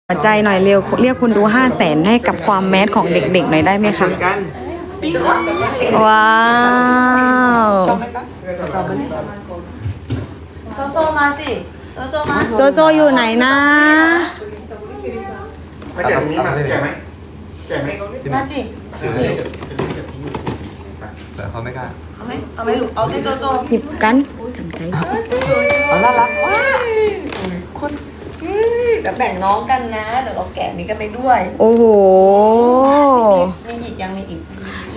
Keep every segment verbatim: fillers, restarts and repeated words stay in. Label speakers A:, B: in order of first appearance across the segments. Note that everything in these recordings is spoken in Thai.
A: หัวใจหน่อยเร็วเรียกคุณดูห้าแสนให้กับความแมสของเด็กๆหน่อยได้ไหมคะว้าว
B: โซโซมาสิโซโซมา
A: โจโจอยู่ไหนนะ
C: ไม่แก่ตรงนี้มาแก่ไหมแก่ไหม
B: มาจิ
C: แต่เขาไม่กล้า
B: เอาไหมเอาไหมลูกเอาที่โซโซ
A: หยิบกันกันไกล
B: เอาน่ารักว้ายคนเดี๋ยวแบ่งน้องกันนะเดี๋ยวเราแกะนี้กันไปด้วย
A: โอ้โห
B: มีอีกยังมีอีก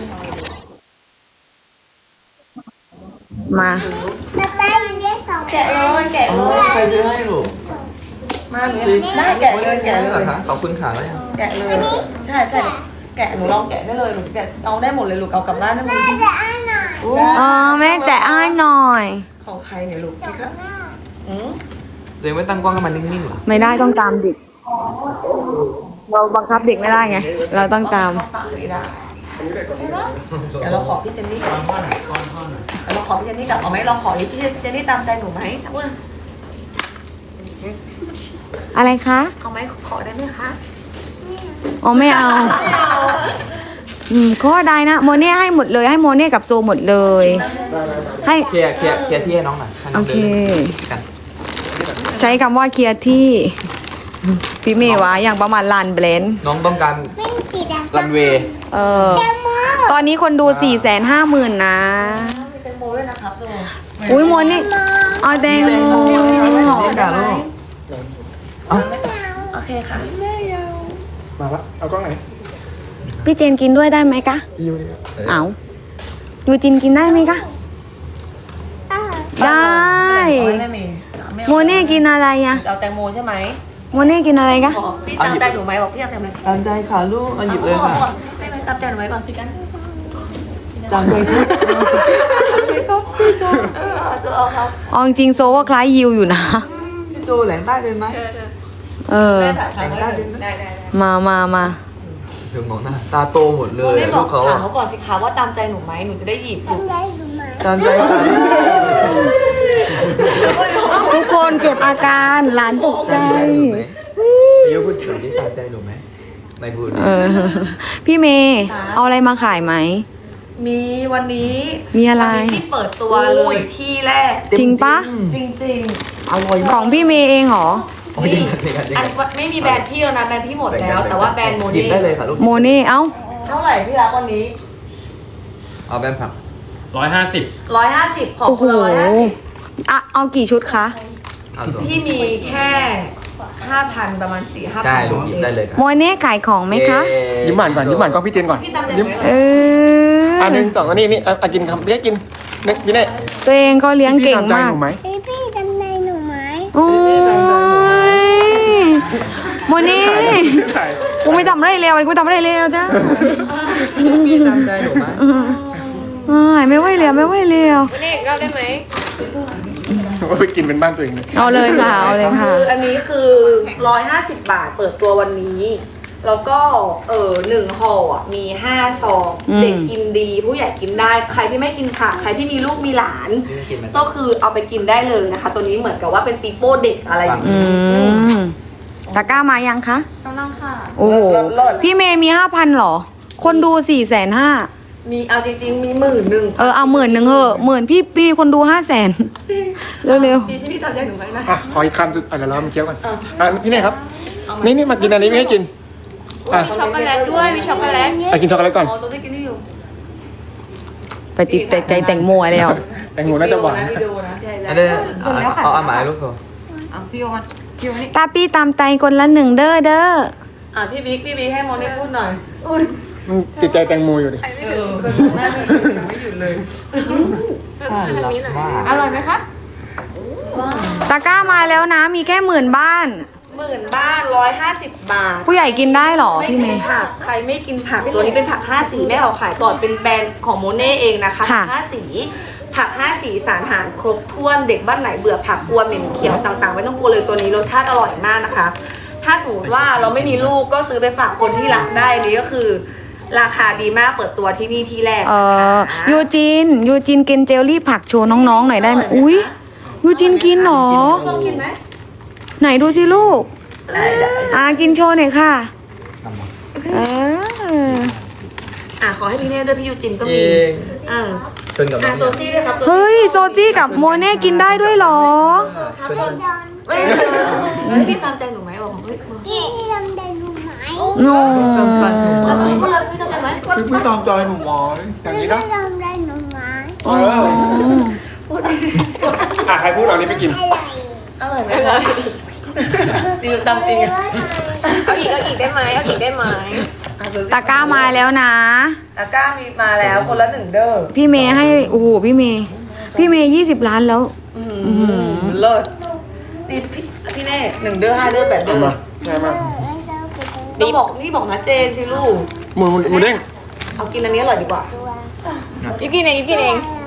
A: มา
B: แกะเลยแกะเลย
C: ใครซื้อให้ลูก
B: มาหนูได้แกะเลยแกะเลย
C: ขอบคุณค่ะแล้วยัง
B: แกะเลยใช่ใช่แกะหนูลองแกะได้เลยหนูแกะเอาได้หมดเลยลูกเอากลับบ้านได้หมด
A: อ๋อแม่แต่อ้ายหน่อย
B: ของใครเนี่ยลูกพี่ครับอืม
C: เลยไม่ตั้งกล้องให้มันนิ่งๆหรอ
A: ไม่ได้ต้องตามเด็กเราบังคับเด็กไม่ได้ไงเราต้องตาม
B: ไม่ได้ใช่ไหมเดี๋ยวเราขอพี่เจนนี่ก่อนเดี๋ยวเราขอพี่เจนนี่กลับเอาไหมเราขอพี่เจนนี่ตามใจหนูไหมพูด
A: อะไรคะ
B: เอาไหมขอได้ไหมคะ
A: อ๋อไม่เอาอืมก็ได้นะโมเน่ให้หมดเลยให้โมเน่กับโซหมดเลยให้
C: เคลียร์เคลียร์เคลียร์ที่ให้น้องหน่อย
A: โอเค
C: กัน
A: ใช้คำว่าเคลียร์ที่พี่เมย์วะอย่างประมาณลานเบลน
C: น้องต้องการรันเวย์
A: เออตอนนี้คนดูสี่แสนห้าหมื่นนะ
B: มีแตงโมด้วยนะครับโซ
A: อุ้ยโมนี่เอาแตงโม
B: โอเคค่ะแม่ยาว
C: มาละเอากล้องไหน
A: พี่เจนกินด้วยได้ไหมคะเอายูจินกินได้ไหมคะได้โมเน่กินอะไรอะ
B: เอาแตงโมใช่ไหม
A: โมเน่กินอะไรคะ
B: พี่ตามใจหนูไหมบอกพี่ตามใจไหม
C: ตามใจค่ะลูกเอาหยิบเลยค่ะ
B: ให้ไหมตามใจหนูไหมก่อนพี่กัน
C: ตามใจค่ะ
B: พี่ก็พี่โจเออโจเอาครับ
A: อ๋อจริงโซว่าคล้ายยิวอยู่นะ
C: พี่โจแหลงใต้เป็นไหม
A: เออ
B: แหลงใต้เป็นได้ได้
A: มามามา
C: เธอมองหน้าตาโตหมดเลย
B: ลูกเขาถามเขาก่อนสิคะว่าตามใจหนูไหมหนูจะได้หยิบ
C: ตามใจค่ะ
A: ทุกคนเก็บอาการหลานตกใจ
C: เดี๋ยวพูดถึงที่ตามใจหนูไหมไม่พูด
A: พี่เมย์เอาอะไรมาขายไหม
B: มีวันนี้
A: มีอะไร
B: ที่เปิดตัวเลยที่แรก
A: จริงปะ
B: จริงจริง
C: อร่อย
A: ของพี่เมย์เองเหรอ
B: นี่อันไม่มีแบรนด์พี่แล้วนะแบรนด์พี่หมดแล้วแต่ว่าแบรนด์โมเน่
C: ได้เลยค่ะลูก
A: โมเน่เอ้า
B: เท่าไหร่พี่รักวันนี้
C: เอาแบรนด์ผัก
D: ร้อยห้าสิบ
B: ร้อยห้าสิบของคุณร้อยห้าสิบ
A: อ่ะเอากี่ชุดคะ
B: พี่มีแค่ห้าพันประมาณสี่ห้าพัน
C: ใช่ลูกหยิบได้เลยครับ
A: โมเน่ขายของไหมคะ
D: ยิ้มหวานก่อนยิ้มหวานก่อนพี่เจนก่อน
B: ยิ้ม
A: เออ
D: อันหนึ่งสองอันนี้นี่อ่ะกินคำเรียกกินนึกพี่เน่
A: ตัวเองก็เลี้ยงเก่งมาก
E: พี่พี่จำใจหนูไหม
A: โอ้ยโมเน่กูไม่ทำอะไรเลวกูทำอะไรเลวจ้า
C: พี่จำใจหนูไหม
A: ไม่ไหวแล้วไม่ไหวแล้ว
E: เน่ก็ได้ไหม
D: ว่าไปกินเป็นบ้านตัวเองเลย
A: เอาเลยค่ะเอาเลยค่ะ
B: อันนี้คือร้อยห้าสิบบาทเปิดตัววันนี้แล้วก็เออหนึ่งห่ออ่ะมีห้าซองเด็กกินดีผู้ใหญ่กินได้ใครที่ไม่กินผักใครที่มีลูกมีหลานก็คือเอาไปกินได้เลยนะคะตัวนี้เหมือนกับว่าเป็นปีโป้เด็กอะไรอย่างนี้
A: ตะกร้ามายังคะ
E: กำลังค่ะ
A: โอ้พี่เมย์มีห้าพันหรอคนดูสี่แสนห้า
B: มีเอาจริงๆมีหมื่นหนึ่ง
A: เออเอาหมื่นหนึ่งเหอะหมื่นพี่พี่คนดูห้าแสนเร็ว
B: ๆพี่ที่พี่ทำใจหนูไหมนะ
D: อ่ะขออีกคำสุดอ่ะเดี๋ยวเรามาเคี้ยวกันอ่ะพี่เน่ครับนี่นี่มากินอันนี้ไม่ให้กิน
E: มีช็อกโกแลตด้วยมีช็อกโกแลต
D: ไปกินช็อกโกแลตก่อน
B: อ๋อตัวที่กินนี่อยู่
A: ไปติดแต่ใจแต่งโมยแล้ว
D: แต่งโมน่าจะหวาน
B: นะ
C: อันนี้เอาเอาหมายลูกโซ่
E: เอาพี่โอมันพี่โอนี่
A: ตาพี่ตามใจคนละหนึ่งเด้อเด้อ
B: อ่ะพี่บิ๊กพี่บิ๊กให้โมนี่พูดหน่อย
D: มันติดใจแตงโมอยู่ดิ
B: เออหน้านี่ไม่หยุดเลย
E: อร่อยไหมคะ
A: ตะกร้ามาแล้วนะมีแค่หมื่นบ้าน
B: หมื่นบ้านร้อยห้าสิบบาท
A: ผู้ใหญ่กินได้หรอพี่เมย์
B: ผักใครไม่กินผักตัวนี้เป็นผักห้าสีแม่เอาขายก่อนเป็นแบรนด์ของโมเน่เองนะคะผักห้าสีผักห้าสีสารอาหารครบถ้วนเด็กบ้านไหนเบื่อผักกลัวเหม็นเขียวต่างๆไม่ต้องกลัวเลยตัวนี้รสชาติอร่อยมากนะคะถ้าสมมติว่าเราไม่มีลูกก็ซื้อไปฝากคนที่รักได้นี่ก็คือราคาดีมากเปิดตัวที่นี่ที่แรก
A: เออยูจินยูจินกินเจลลี่ผักโชว์น้องๆหน่อยได้ไหมอุ้ยยูจินกินหรอ
B: ต้องกินไหม
A: ไหนดูสิลูก
B: ได้ได้
A: อ่ากินโชว์หน่อยค่ะ
C: ทำมา
A: เออ
B: อ่ะขอให้พี่เน่ด้วยพี่ยูจินก็
C: เอ
B: มี
C: ง
B: อ่า
C: ชนกับน้
B: อ่ะ
C: อง
B: โซซี่ด้วยครับ
A: เฮ้ยโซจี้กับโมเน่กินได้ด้วยเหรอ
B: ครับชนเอ้ยพี่ตามใจหนูไหมบอกเฮ้ย
F: พี่ทำได้รู้ไหม
A: โน
B: เราต้องพูดเลยพี่ตามใจไหม
D: พี่พี่ตามใจหนูหมอยอย่างนี้
F: พี่
D: นะ
F: ทำได้รู้ไหม
D: เอออ่ะใครพูดเอานี้ไปกิน
F: อะไร
B: อร่อยไหมคะดีตามจริง
E: เอาอีกเอาอีกได้ไหมเอาอีกได้ไหม
A: ตะกร้ามาแล้วนะ
B: ตะกร้ามีมาแล้วคนละหนึ่งเด้อ
A: พี่เมย์ให้โอ้โหพี่เมย์พี่เมย์ยี่สิบล้านแล้ว
B: อืมเลิศนี่พี่พี่เน่หนึ่งเด้อห้าเด้อแปดเด้อ
D: มาใช่ไหม
B: ต้องบอกนี่บอกนะเจนสิลูก
D: หมูหมูเด้ง
B: เอากินอันนี้อร่อยดีกว่า
E: ยูกินเองยูกินเอง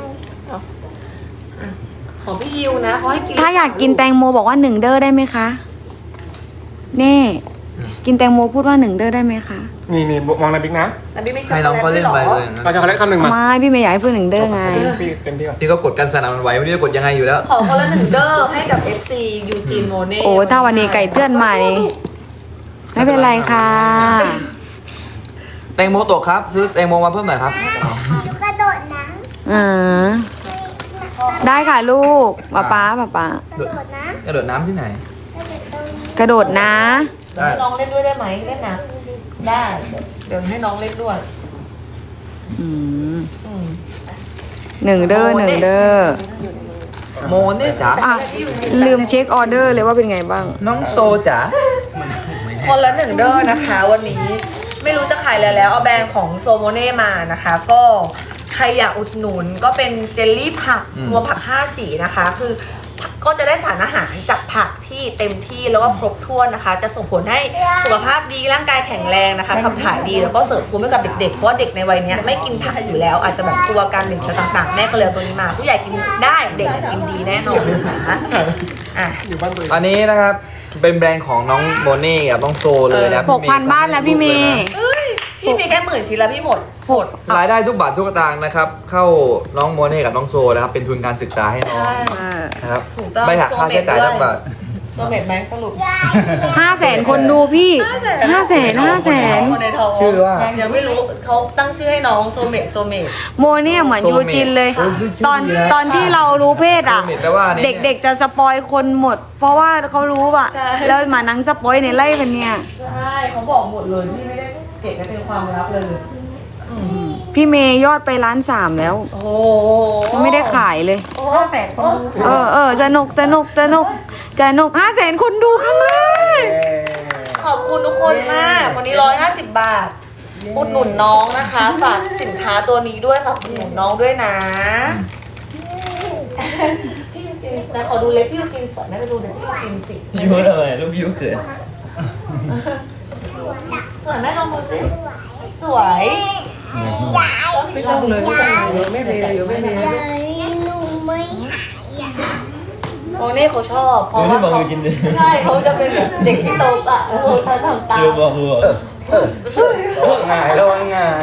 B: ของพี่ยิวนะเขาให้กิน
A: ถ้าอยากกินแตงโมบอกว่าหนึ่งเด้อได้ไหมคะเน่กินแตงโมพูดว่าหนึ่งเด้อได้ไหมคะ
D: นี่นี่มองในบิ๊กนะ
B: แต่พี่ไม่ช
C: ใครน้องเขาเล่นไปเลยนะ
D: เราจะขอเล็กคำหนึ่งมา
A: ไม่พี่เมย์อยากให้พูดหนึ่งเด้อไง
D: พี่เต็มที่ก่อน
C: ที่เขากดกันสนั่นมันไหวไม่รู้จะกดยังไงอยู่แล้ว
B: ขอคนละหนึ่งเด้อให้กับ เอฟ ซี ยูจีนโมเน่
A: โอ้ถ้าวันนี้ไก่เตือนใหม่ ไม่เป็นไรค่ะ
C: แตงโมตกครับ ซื้อแตงโมมาเพิ่มหน่อยครับ
F: กระโดดน้
A: อ่าได้ค่ะลูกป๊าป๊าป๊าป๊า
F: ำกระโดดน้
C: กระโดดน้ำที่ไหน
F: ำกระโดดตรง
A: กระโดดนะ
C: ได้
B: ให้น้องเล่นด้วยได้ไหมเล่นนะได้เดี๋ยวให้น้องเล่นด้วย
A: อืม
B: อืม
A: หนึ่งเด้อหนึ่งเด้อ
C: โมเนี่ยจ๋า
A: อ่ะลืมเช็คออเดอร์เลยว่าเป็นไงบ้าง
C: น้องโซจ๋า
B: คนละหนึ่งเด้อนะคะ วันนี้ไม่รู้จะขายอะไรแล้วเอาแบรนด์ของโซโมเน่มานะคะ ก็ใครอยากอุดหนุนก็เป็นเจลลี่ผักรวมผักห้าสีนะคะ คือก็จะได้สารอาหารจากผักที่เต็มที่แล้วก็ครบถ้วนนะคะ จะส่งผลให้สุขภาพดีร่างกายแข็งแรงนะคะขับถ่ายดีแล้วก็เสริมภูมิให้กับเด็กๆเพราะว่าเด็กในวัยเนี้ยไม่กินผักอยู่แล้ว อาจจะแบบกลัวการเหม็นเขียวต่างๆแม่ก็เลยเอาตัวนี้มา ผู้ใหญ่กินได้เด็กกินดีแน่นอนนะคะอ่ะ
D: อยู่บ้านตัวเอง
C: อันนี้นะครับ เป็นแบรนด์ของน้องโมเน่กับน้องโซเลยนะ
A: หกพันบ้านแล้วพี่เมย์
B: เอ้ยพี่มีแค่หมื่นชิ้นแล้วพี่หมดหมด
C: รายได้ทุกบาททุกสตางค์นะครับ เข้าน้องโมเน่กับน้องโซนะครับ เป็นทุนการศึกษาให้น้อง
B: ใช่
C: นะครับ
B: ถูกต้อง
C: ไม่หักค่าใช้จ่ายทุกบาท
B: โซเมตไหมสรุป
A: ห้าแสนคนดูพี่ห้าแสนห้าแสน
B: คนในท้อง
C: ชื่อว่า
B: ยังไม่รู้เขาตั้งชื่อให้น้องโซเมตโซเมต
A: โมเนี่ยเหมือนยูจินเลย
C: โอ้ยชื่อ
A: ตอน
C: ดีนะ
A: ตอนที่เรารู้เพศอ่ะ
C: โซเมตแปลว่าเนี่ย
A: เด็กๆจะสปอยคนหมด เพราะว่าเขารู้อ่ะ แล้วมานังสปอยในไล่กันเนี่ย
B: ใช่เขาบอกหมดเลยพี่ไม่ได้เก็บไว้เป็นความลับเลยอืม
A: พี่เมย์ยอดไปล้านสามแล้ว
B: โอ้
A: ยังไม่ได้ขายเลย
B: โอ้แปดคนดู
A: เออเออสนุกสนุกสนุกสนุกห้าแสนคนดูครั้งแรก
B: ขอบคุณทุกคนมาก วันนี้ร้อยห้าสิบบาท อุดหนุนน้องนะคะ ฝากสินค้าตัวนี้ด้วยฝากอุดหนุนน้องด้วยนะ พี่ยูจินแต่ขอดูเล็บพี่ยูจินสวยไหมไปดูเล็บพี่ยูจินสิ
C: ยูอะไรลูกยูเขิน
B: สวยไหมลองดูสิ สวยไม่ต้องเลยไม่เป็นไรไม่เป็นไร
F: ใหญ่หนูไม่หายอ่ะ
B: โอเน่เขาชอบเพราะว่าเขาใช่เขาจะเป็นแบบเด็กที่โตอ่ะเขาทำตาม
C: ง่ายแล้วง่าย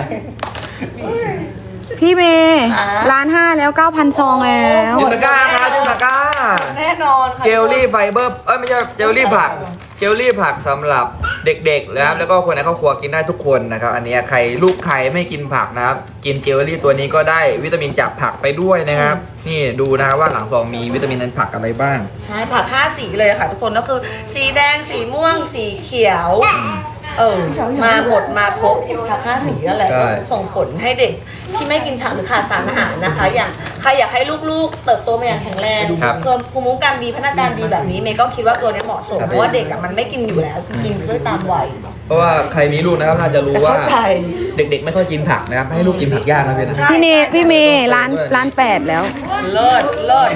A: พี่เมย์ล้านห้าแล้วเก้าพันซองแล้ว
C: จินตะกร้าครับจินตะกร้า
B: แน่นอนค่ะ
C: เจลลี่ไฟเบอร์เอ้ยไม่ใช่เจลลี่ผักเจลลี่ผักสำหรับเด็กๆนะครับแล้วก็คนในครอบครัวกินได้ทุกคนนะครับอันนี้ใครลูกใครไม่กินผักนะครับกินเจลลี่ตัวนี้ก็ได้วิตามินจากผักไปด้วยนะครับนี่ดูนะครับว่าหลังซองมีวิตามินในผักอะไรบ้าง
B: ใช่ผักห้าสีเลยค่ะทุกคนก็คือ สีแดงสีม่วงสีเขียว เออมาหมดมาครบผักห้าสีนั่นแหละ
C: ใช่
B: ส่งผลให้เด็กที่ไม่กินผักหรือขาดสารอาหารนะคะ อย่างใครอยากให้ลูกๆ เติบโตมาอย่างแข็งแรง
C: ครับ
B: เพิ่มภูมิคุ้มกันดีพัฒนาการดีแบบนี้เมย์ก็คิดว่าตัวนี้เหมาะสม
C: ครับ
B: เพราะว่าเด็กอะมันไม่กินอยู่แล้วจะกินด้วยตามวัย
C: เพราะว่าใครมีลูกนะครับน่าจะรู้ว่า
B: เข้าใจ
C: เด็กๆไม่ค่อยกินผักนะครับให้ลูกกินผักยากนะพี่นะ
A: พี่เนพี่เมย์ล้านล้านแปดแล้ว
B: เลิศเลิศ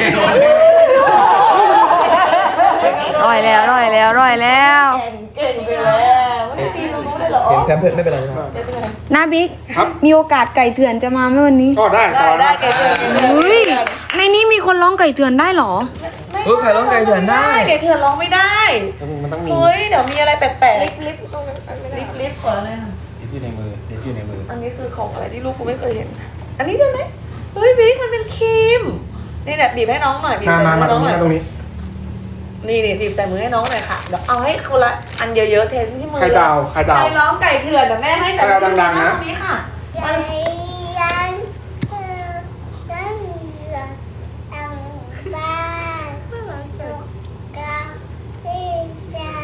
A: ร่อยแล้วร่อยแล้วร่อยแล้ว
B: เก่งเก่งไปแล้วไม่ได้ตีตรงนู้นเลยเหรอ
C: เห็นแพมเพิร์ดไม่เป็นไรใช่ไหม
A: นาบิ๊กมีโอกาสไก่เถื่อนจะมาไหมวันนี้
D: ก็ได้
B: ได้ได้เก่งเก่งเก่ง
A: เฮ้ยในนี้มีคนร้องไก่เถื่อนได้เหรอ
C: เฮ้ยใครร้องไก่เถื่อนได้
B: เก่งเถื่อนร้องไม่ได้
D: มันต้องมี
B: เฮ้ยเดี๋ยวมีอะไรแปลกๆ
E: ลิฟต์ลิฟต์ตรงนั้นไม่ได้
B: ลิฟต์ลิฟต์ขออะไรอ่ะ
D: เดี๋ยวอยู่ในมือเดี๋ยวอยู่ในมือ
B: อันนี้คือของอะไรที่ลูกกูไม่เคยเห็น อันนี้ได้ไหมเฮ้ยบิ๊กมันเป็นครีม นี่แหละบีบให้น้องหน่อยบีบ
D: มา
B: ใส่
D: มา
B: มื
D: มา
B: อ
D: ตร
B: น้อง งห
D: นี้
B: น่อย
D: มาตรงนี้
B: นี่นี่บีบใส่มือให้น้องหน่อยค่ะเดี๋ยวเอาให้คนละอันเยอะๆเทที่มือ
D: ใครดาวใครดาว
B: ใครร้องไก่เถื่อนเดี๋ยวแม่ให้ใส่
D: ใครดาวดังๆนะ
B: ตรงนี้ค่ะ
F: ใจยันเธอฉันจะตั้งบ้านกับพี่ชาย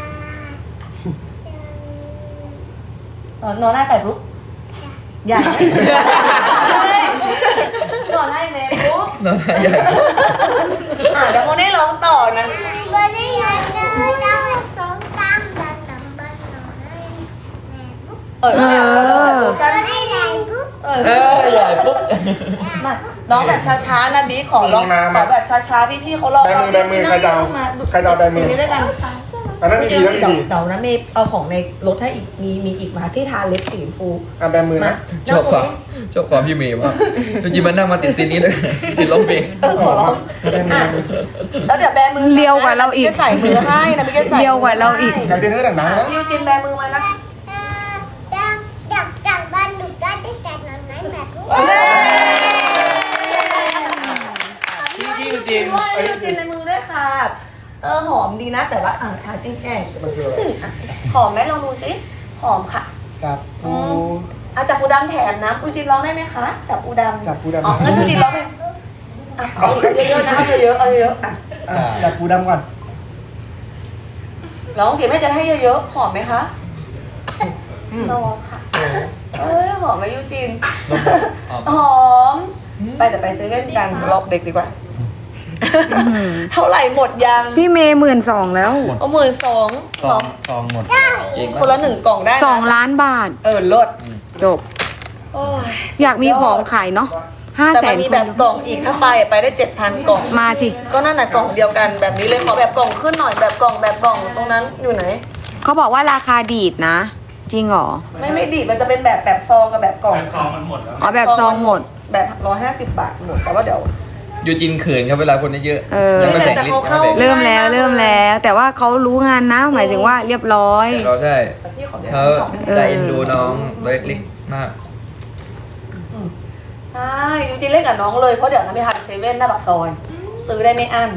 B: เออนอนหน้าไก่ปุ๊บใหญ่ไหมนอนให้เมย์ปุ๊บ
C: น้องใหญ่
B: อ่ะเดี๋ยวโมเน่ร้องต่อนะ
F: วันนี้ยังเดินต้องต้องตั้งกันตั้งบ้านนอนให้แม่บุ๊ก
B: เออแม่ร้องแบบเวอร์ชัน
F: วันนี้ไหนบุ๊ก
B: เออ
C: เออใหญ่ปุ๊บ
B: มาน้องแบบช้าๆนะบีขอร้องขอแบบช้าๆพี่ๆเขารอ
D: แบมือแบมือใครดาวใครดาวแบมือ
B: ซีรีส์ด้วยกัน
D: อันนั้นดี
B: เดี๋ยว
D: แล้วดี
B: เดี๋ยวนะเมย์เอาของในรถให้อีกมีมีอีกมาที่ทาเล็บสีชมพู
D: อ่ะแบมือ
B: มา
D: นะ
C: ชอบความชอบความพี่เมย์มากจริงๆมันนั่งมาติดซีนนี้เลยซีนร้องเพลง
B: เออขอร้อง
D: แบมือ
B: อ่ะแล้วเดี๋ยวแบมือ
A: เลียวกว่าเราอีก
B: จะใส่มือให้นะพี่จะใส่
A: เลียวกว่าเราอีก
D: ใจเต้นเท่าดังๆนะ
B: พี่ยูจินแบมือมานะ
F: ดังดังดังบ้านหนูก็ได้แต่นอนไหนแม่บุ๊ก
B: พี่พี่ยูจินพี่ยูจินในมือด้วยค่ะเออหอมดีนะแต่ว่าอ่าทานแกล้งๆหอมไหมลองดูสิหอมค่ะ
D: จับปู
B: อ่ะจับปูดำแถมนะปูจินร้องได้ไหมคะจับปูดำ
D: จับปูดำ
B: อ๋องั้นปูจินร้องเลยอ่ะเอาเยอะๆนะเอาเยอะๆเอาเยอะๆอ่ะ
D: อ่ะจับปูดำก่อน
B: ร้องเสียงแม่จะให้เยอะๆหอมไหมคะรอค่ะเอ้ยหอมไหมยูจินหอมไปแต่ไปเซเว่นกันรอบเด็กดีกว่า เท่าไหร่หมดยัง
A: พี่เมย์หมื่นสองแล้ว
B: เอาหมื่นสอง
D: ซองซองหมด
C: เก่ง
B: คน
C: มาก
B: ละหนึ่งกล่องได้นะ
A: สองล้านบาท
B: เออลด
A: จบ
B: โอ้ย
A: อยากมีของขายเนาะห้า
B: แต่
A: แส
B: มัน
A: น
B: มี
A: ค
B: แบ
A: น
B: บกล่องอีกถ้าไปไปได้เจ็ดพันกล่อง
A: มาสิ
B: ก็นั่นน่ะกล่องเดียวกันแบบนี้เลยขอแบบกล่องขึ้นหน่อยแบบกล่องแบบกล่องตรงนั้นอยู่ไหน
A: เขาบอกว่าราคาดีดนะ จริงเหรอ
B: ไม่ไม่ดีมันจะเป็นแบบแบบซองกับแบบกล่อง
A: อ๋อแบบซองหมด
B: แบบร้อยห้าสิบบาทหมดแต่ว่าเดี๋ยว
C: ยูจินเขินครับเวลาคนเยอะ
A: เออ
C: ยังไม่แบ่งลิสต์
B: แต่เขา
C: ไม่แบ่ง
B: เข้า
A: เริ่มแล้วเริ่มแล้ว แต่ว่าเขารู้งานนะ หมายถึงว่าเรียบร้อย
C: เราใช่
B: พี่ขอ
C: เขาใจเอ็นดูน้องตัวเล็กๆมาก
B: ใช่ยูจินเล่นกับน้องเลยเพราะเดี๋ยวน้ำไปทานเซเว่นหน้าปากซอย ซื้อได้ไม่อั้น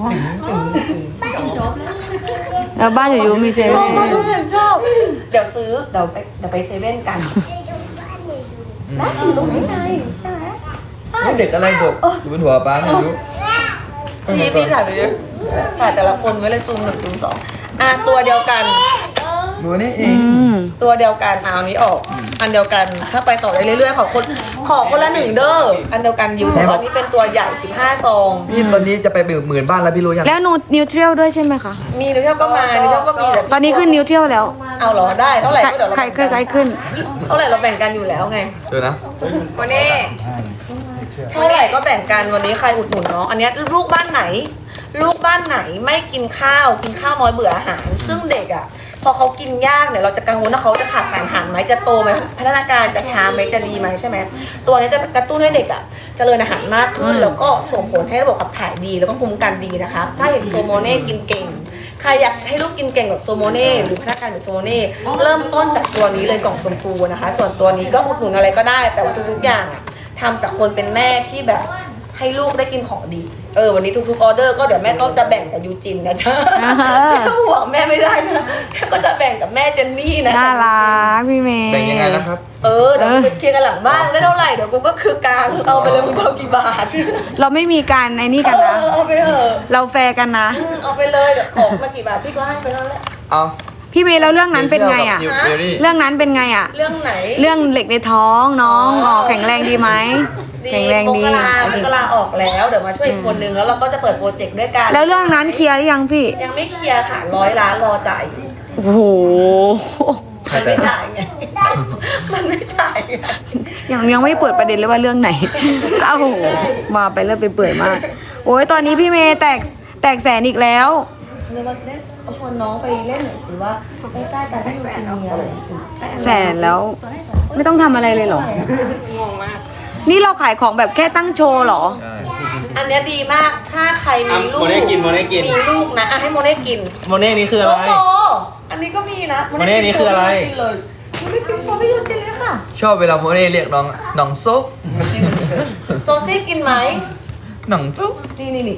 A: แล้วบ้านอยู่ๆมีเซ
B: ชอ
A: เว่
B: บมาก
A: น
B: ฉันชอบ เดี๋ยวซื้อเดี๋ยวไปเดี๋ยวไปเซเว่นกัน
F: ไปดูบ้านหนูดู
B: นะอยู่ตรงนี้ไงใช่ไหม
C: เด็กอะไรบกอยู่บนหัวป้าไม่รู้
B: พี่พี่ถ่ายไปเยอะถ่ายแต่ละคนไว้เลยซูมหนึ่งซูมสองอ่ะตัวเดียวกัน
C: ดูนี่เอ
A: อื
C: ง
A: ม
B: ตัวเดียวกันเอาอันนี้ออก อันเดียวกันถ้าไปต่อได้เรื่อยๆขอคนขอคนละหนึ่งเด้ออันเดียวกันอยู่แต่ว่านี่เป็นตัวใหญ่สิบห้าซอง
C: พี่ตอนนี้จะไปหมื่นบ้านแล้วพี่รู้ยัง
A: แล้วนูนิวเทรียลด้วยใช่ไหมคะ
B: มีนิวเทลก็มานิวเทลก็มีแต่
A: ตอนนี้ขึ้นนิวเทรียลแล้ว
B: เอาเหรอได้เท่าไหร่
A: ใคร
B: ก็เดี๋ยวเรา
A: ใคร
B: แบ่ง
A: เคยใคร
B: กัน
A: ขึ้น
B: เท่าไหร่เราแบ่งกันอยู่แล้วไง
C: เดี๋ยวนะ
E: วันนี้
B: เท่าไหร่ก็แบ่งกันวันนี้ใครอุดหนุนน้องอันเนี้ยลูกบ้านไหน ลูกบ้านไหนไม่กินข้าวกินข้าวน้อยเบื่ออาหาร ซึ่งเด็กอ่ะพอเขากินยากเนี่ยเราจะกังวลว่าเขาจะขาดสารอาหารไหมจะโตไหมพัฒนาการจะช้าไหมจะดีไหมใช่ไหมตัวนี้จะกระตุ้นให้เด็กอ่ะเจริญอาหารมากขึ้น
A: อืม
B: แล้วก็ส่งผลให้ระบบขับถ่ายดีแล้วก็ภูมิคุ้มกันดีนะคะถ้าเห็นโซโมเน่กินเก่งใครอยากให้ลูกกินเก่งแบบโซโมเน่หรือพัฒนาการแบบโซโมเน่เริ่มต้นจากตัวนี้เลยกล่องชมพูนะคะ ส่วนตัวนี้ก็อุดหนุนอะไรก็ได้ แต่ว่าทุกๆอย่างอะทำจากคนเป็นแม่ที่แบบให้ลูกได้กินของดี เออวันนี้ทุกๆออเดอร์ก็เดี๋ยวแม่ก็จะแบ่งกับยูจินนะจ๊ะ
A: อ่าฮะ
B: ไม่ต้องห่วงแม่ไม่ได้นะแม่ก็จะแบ่งกับแม่เจนนี่นะ
A: น่ารักพี่เมย์
C: แบ่งยังไงนะครับ
B: เออเดี๋ยวกูไปเคลียร์กันหลังบ้านได้เท่าไหร่เดี๋ยวกูก็คือกลางเอาไปเลยมึงเอากี่บาท
A: เราไม่มีการไอ้นี่กัน
B: เอ
A: นะ
B: อเอาไปเถอะ
A: เราแฟร์กันนะ
B: อืมเอาไปเลยเดี๋ยวของมากี่บาทพี่ก็ให้ไปแล้วแหละ
C: เอา
A: พี่เมย์แล้วเรื่องนั้นเป็นไงอ่ะ
C: นิวเบอรี่
A: เรื่องนั้นเป็นไงอ่ะ
B: เรื่องไหน
A: เรื่องเหล็กในท้องน้องอ๋อแข็งแรงดีไหม
B: ดี
A: แข็งแรง
B: ม
A: ดี
B: กรามันก็ลาออกแล้วเดี๋ยวมาช่วยอีกคนนึงแล้วเราก็จะเปิดโปรเจกต์ด้วยกัน
A: แล้วเรื่องนั้นเคลียร์หรือยังพี่
B: ยังไม่เคลียร์ค่ะร้อยล้านรอจ่ายอยู่
A: โอ้โห
B: มันไม่จ่ายไง มันไม่จ่ายไง
A: ยังยังไม่เปิดประเด็นเลยว่าเรื่องไหน โอ้โหมาไปเริ่มไปเปื่อยมาก โอ้ยตอนนี้พี่เมย์แตกแตกแสนอีกแล้ว
B: เลยว่าเล่นเอาชวนน้องไปเล่นหน่อยสิว่าใกล้ๆกันให้ดูกินมีอะไร
A: แสนแล้ว ไม่ต้องทำอะไรเลยเหรอ
E: งงมาก
A: นี่เราขายของแบบแค่ตั้งโชว์เหรอ
C: ใช่
B: อันเนี้ยดีมากถ้าใครมีลูก
D: โมเน่กินโมเน่กิน
B: มีลูกนะอ่ะให้โมเน่กิน
D: โมเน่นี่คือ
B: โซ
D: อะไร
B: โซอันนี้ก็มีนะ
D: โมเน่นี่คืออะไร
B: กินเลยโมเน่กินโชว์ไม่ยูจินเลยค่ะ
C: ชอบเวลาโมเน่เรียกน้องน้องซุป
B: โซซี่กินไหม
C: น้องซุป
B: นี่นี่นี่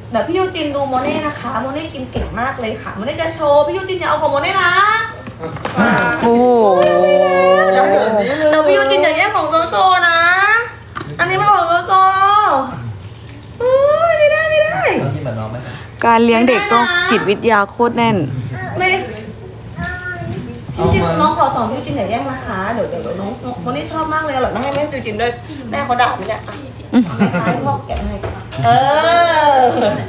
B: เดี๋ยวพี่ยูจินดูโมเน่นะคะโมเน่กินเก่งมากเลยค่ะโมเน่จะโชว์พี่ยูจินอย่าเอาของโมเน่นะมา
A: โอ้โห
B: เดี๋ยวเดี๋ยวพี่ยูจินอย่าแย่งของโซโซนะ อันนี้มันของโซโซโอ้ยไม่ได้ไม่ได้
C: น้องกินแบบน้องไหม
A: การเลี้ยงเด็กต้องจิตวิทยาโคตรแน่น
B: ไม่พี่ยูจินน้องขอสอนพี่ยูจินอย่าแย่งนะคะเดี๋ยวเดี๋ยวน้องน้องโมเน่ชอบมากเลยอร่อยมากให้แม่ยูจินด้วยแม่เขาด่าไหมเนี่ยแม่ให้พ่อแกะให้เออ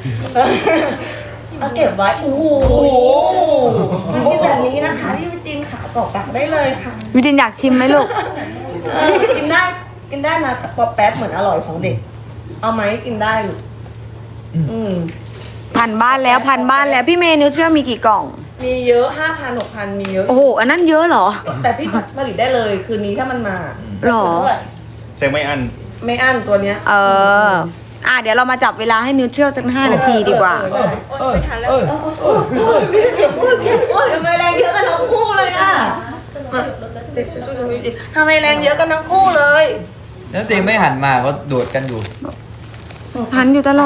B: เอาเก็บไว้โอ้โหมันเป็นแบบนี้นะคะพี่ยูจินค่ะตอกตักได้เลยค่ะ
A: วิจินอยากชิมไหมลูก
B: เออกินได้กินได้นะป๊อปแป๊บเหมือนอร่อยของเด็ก เอาไหมกินได้ลูกอืม
A: พันบ้านแล้วพันบ้านแล้วพี่เมย์นิวเทรียลมีกี่กล่อง
B: มีเยอะห้าพันหกพันมีเยอะ
A: โอ้โห อันนั้นเยอะเหรอ
B: แต่พี่ผลิตได้เลยคืนนี้ถ้ามันมา
A: หรอ
B: เท่าไห
D: เซงไม่อัน
B: ไม่อั้นตัวเนี้ย
A: เออ อ่ะเดี๋ยวเรามาจับเวลาให้นิวเทรียลตั้งห้านาทีดีกว่า
B: เออเออเออโอ้ยทำไมแรงเยอะกันทั้งคู่เลยอ่ะเด็กสู้ๆทำไมดีทำไมแรงเยอะกันทั้งคู่เลย
C: แล้วเตียงไม่หันมาเขาโดดกันอยู่
A: พันอยู่ตลอด